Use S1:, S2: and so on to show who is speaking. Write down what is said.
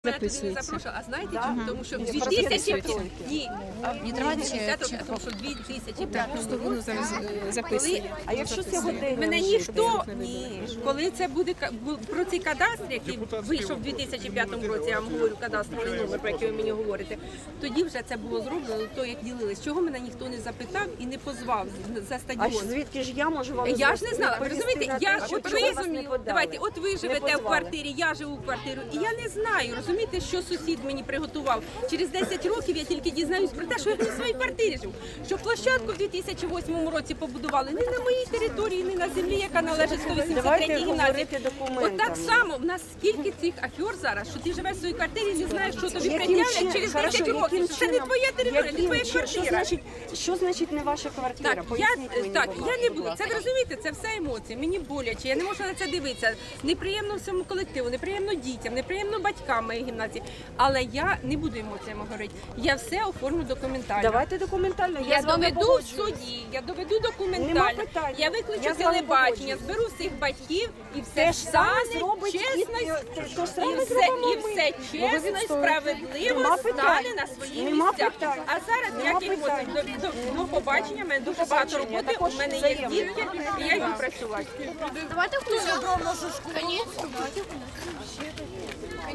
S1: записується.
S2: запрошую. А знаєте чому? Тому що в 2005 тому що в 2005
S1: Воно зараз записує.
S3: А якщо сьогодні
S2: мене ніхто, коли це буде про цей кадастр, який вийшов в 2005 році, я вам говорю кадастровий номер, про який ви мені говорите, тоді вже це було зроблено, то як ділились. Чого мене ніхто не запитав і не позвав за
S3: А
S2: стадіон?
S3: звідки ж я можу вам
S2: Я ж не знала, ви розумієте, давайте, от ви живете в
S3: позвали.
S2: квартирі, я живу в квартирі, і я не знаю, розумієте, що сусід мені приготував. Через 10 років я тільки дізнаюсь про те, що я в своїй квартирі живу. Що площадку в 2008 році побудували не на моїй території, не на землі, яка належить 183-й
S3: Давайте
S2: гімназії.
S3: говорити документами.
S2: От так само, в нас скільки цих афер зараз, що ти живеш в своїй квартирі і не знаєш, що тобі
S3: Яким
S2: пред'являть
S3: чином?
S2: через
S3: Хорошо,
S2: 10 років.
S3: яким
S2: Це не
S3: чином?
S2: твоя територія, не
S3: Яким
S2: твоя
S3: чином?
S2: квартира.
S3: Що значить не ваша квартира?
S2: Так,
S3: Поясніть мені,
S2: так,
S3: будь
S2: я
S3: ласка.
S2: не буду. Це ви розумієте, це все емоції. Мені боляче, я не можу на це дивитися. Неприємно всьому колективу, неприємно дітям, неприємно батькам моєї гімназії. Але я не буду емоціями говорити. Я все оформлю документально.
S3: Давайте документально.
S2: Я
S3: з вами
S2: доведу в
S3: погоджуюсь.
S2: суді, я доведу
S3: Нема
S2: документально.
S3: питань.
S2: Я виключу
S3: Я з вами
S2: телебачення,
S3: погоджуюсь.
S2: зберу всіх батьків і все
S3: Те ж саме
S2: стане
S3: зробить
S2: чесно,
S3: те ж
S2: і
S3: саме
S2: все,
S3: зробимо
S2: і
S3: ми.
S2: все
S3: Ну, ви
S2: чесно і
S3: відстоюєте.
S2: справедливо
S3: Нема
S2: стане
S3: питань.
S2: на свої
S3: Нема
S2: місця.
S3: питань.
S2: А зараз
S3: Нема
S2: ніяких
S3: питань.
S2: до побачення, в мене дуже багато
S3: побачення.
S2: роботи,
S3: Також
S2: у мене є
S3: взаємно.
S2: дітки, і я йду працювати.
S4: Давайте включимо.